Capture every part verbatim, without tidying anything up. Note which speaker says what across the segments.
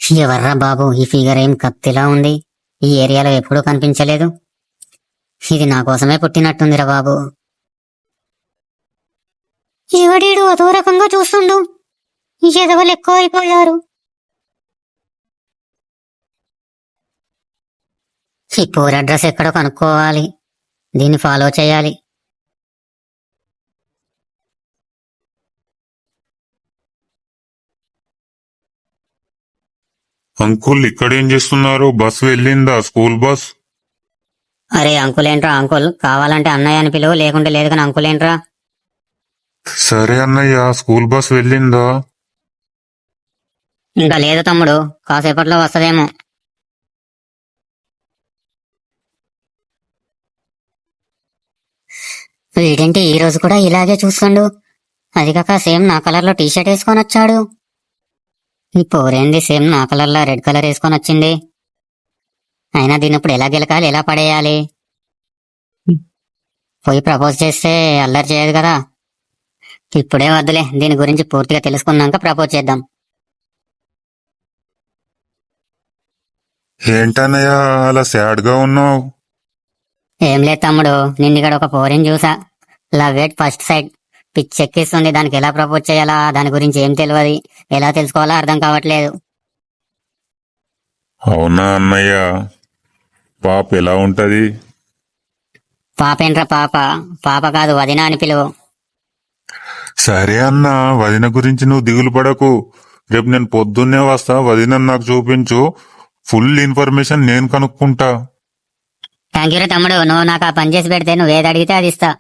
Speaker 1: ఎవర్రా బాబు ఈ ఫిగర్ ఏం కత్తిలా ఉంది? ఈ ఏరియాలో ఎప్పుడూ కనిపించలేదు. ఇది నా కోసమే పుట్టినట్టుందిరా బాబు. ఎవడీడు అదో రకంగా చూస్తుండు. ఈ ఎదవలు ఎక్కువ అయిపోయారు. ఈ పోర్ అడ్రస్ ఎక్కడో కనుక్కోవాలి. దీన్ని ఫాలో చేయాలి.
Speaker 2: అంకుల్ ఇక్కడేం చేస్తున్నారు? బస్ వెళ్ళిందా? School bus?
Speaker 1: అరే అంకులేంట్రా అంకుల్, కావాలంటే అన్నయ్య అని పిలువు, లేకుంటే లేదు కానీ అంకులేంట్రా.
Speaker 2: సరే అన్నయ్య, స్కూల్ బస్ వెళ్ళిందా?
Speaker 1: ఇంకా లేదు తమ్ముడు, కాసేపట్లో వస్తదేమో. వీడేంటి ఈ రోజు కూడా ఇలాగే చూస్తుండు? అది కాక సేమ్ నా కలర్ లో టీషర్ట్ వేసుకొని వచ్చాడు. ఈ పోరేంది సేమ్ నా కలర్ లో రెడ్ కలర్ వేసుకొని వచ్చింది? అయినా దీని ఇప్పుడు ఎలా గెలకాలి, ఎలా పడేయాలి? పోయి ప్రపోజ్ చేస్తే అల్లరి చేయదు కదా. ఇప్పుడే వద్దులే, దీని గురించి పూర్తిగా తెలుసుకున్నాక ప్రపోజ్ చేద్దాం.
Speaker 2: ఏంటన్నయ్య అలా సాడ్ గా ఉన్నావు?
Speaker 1: ఏం లేదు తమ్ముడు, నిన్న ఇక్కడ ఒక పోరిని చూసా. Love at first sight. పిచ్చెక్కిస్తుంది. దానికి ఎలా ప్రపోజ్ చేయాలా, దాని గురించి ఏం తెలియదు, ఎలా తెలుసుకోవాలో అర్థం కావట్లేదు.
Speaker 2: అవునా అన్నయ్య? పాప ఎలా ఉంటది?
Speaker 1: పాపేంట్రా పాప? పాప కాదు, వదిన అని పిలువు.
Speaker 2: సరే అన్న, వదిన గురించి నువ్వు దిగులు పడకు. రేపు నేను పొద్దున్నే వస్తా, వదిన నాకు చూపించు. ఫుల్ ఇన్ఫర్మేషన్ నేను కనుక్కుంటా.
Speaker 1: థ్యాంక్ యూ రా తమ్ముడు, నువ్వు నాకు ఆ పని చేసి పెడితే నువ్వు ఏది అడిగితే అది ఇస్తా.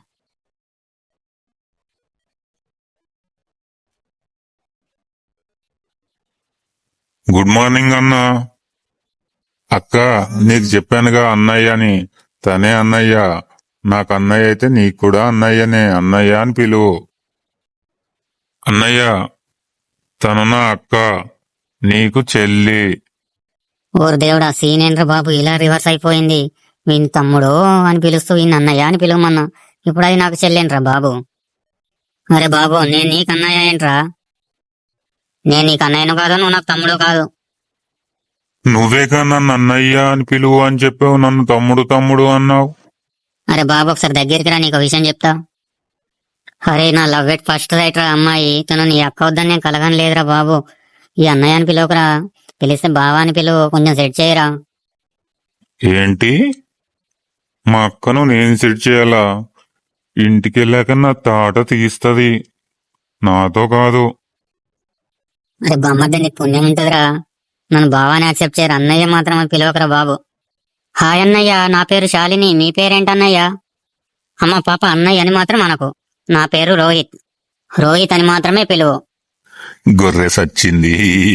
Speaker 2: గుడ్ మార్నింగ్ అన్న. అక్క, నీకు చెప్పానుగా అన్నయ్య అని. తనే అన్నయ్య. నాకు అన్నయ్య అయితే నీకు కూడా అన్నయ్యనే. అన్నయ్య అని పిలువు. అన్నయ్య, తను నా అక్క, నీకు చెల్లి.
Speaker 1: ఓరు దేవుడా, సీన్ ఏంట్రా బాబు ఇలా రివర్స్ అయిపోయింది. వీని తమ్ముడు అని పిలుస్తూ వీని అన్నయ్య అని పిలువమన్నా, ఇప్పుడు అది నాకు చెల్లేంట్రా బాబు. అరే బాబు, నేను నీకు అన్నయ్య ఏంట్రా? నేను నీకు అన్నయ్యను కాదు, నువ్వు నాకు తమ్ముడు కాదు.
Speaker 2: నువ్వేగా నన్ను అన్నయ్య అని పిలువు అని చెప్పావు, నన్ను తమ్ముడు తమ్ముడు అన్నావు.
Speaker 1: అరే బాబు, ఒకసారి దగ్గరికి రా, నీకు విషయం చెప్తా. అరే నా లవ్ ఎట్ ఫస్ట్ రైట్ రా అమ్మాయి. తను నీ అక్క వద్దని నేను కలగని లేదురా బాబు. ఈ అన్నయ్య అని పిలువకురా, పిలిస్తే బావా అని పిలువు, కొంచెం సెట్ చేయరా.
Speaker 2: ఏంటి? మా అక్కను నేను సెట్ చేయాలా? ఇంటికెళ్ళాక నా తాట తీస్తది, నాతో కాదు.
Speaker 1: అరే బామ్మద్ద, నీకు పుణ్యం ఉంటదిరా. నన్ను బావాని యాక్సెప్ట్ చేయరు, అన్నయ్య మాత్రం అని పిలవకరా బాబు. హాయ్ అన్నయ్య, నా పేరు శాలిని. మీ పేరేంటన్నయ్య? అమ్మ పాప అన్నయ్య అని మాత్రం అనకు. నా పేరు రోహిత్. రోహిత్ అని మాత్రమే పిలువు.
Speaker 2: గొర్రె సచ్చింది.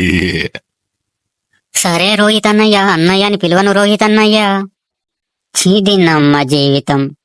Speaker 1: సరే రోహిత్ అన్నయ్య, అన్నయ్య అని పిలువను రోహిత్ అన్నయ్య. చీదిన్నమ్మ జీవితం.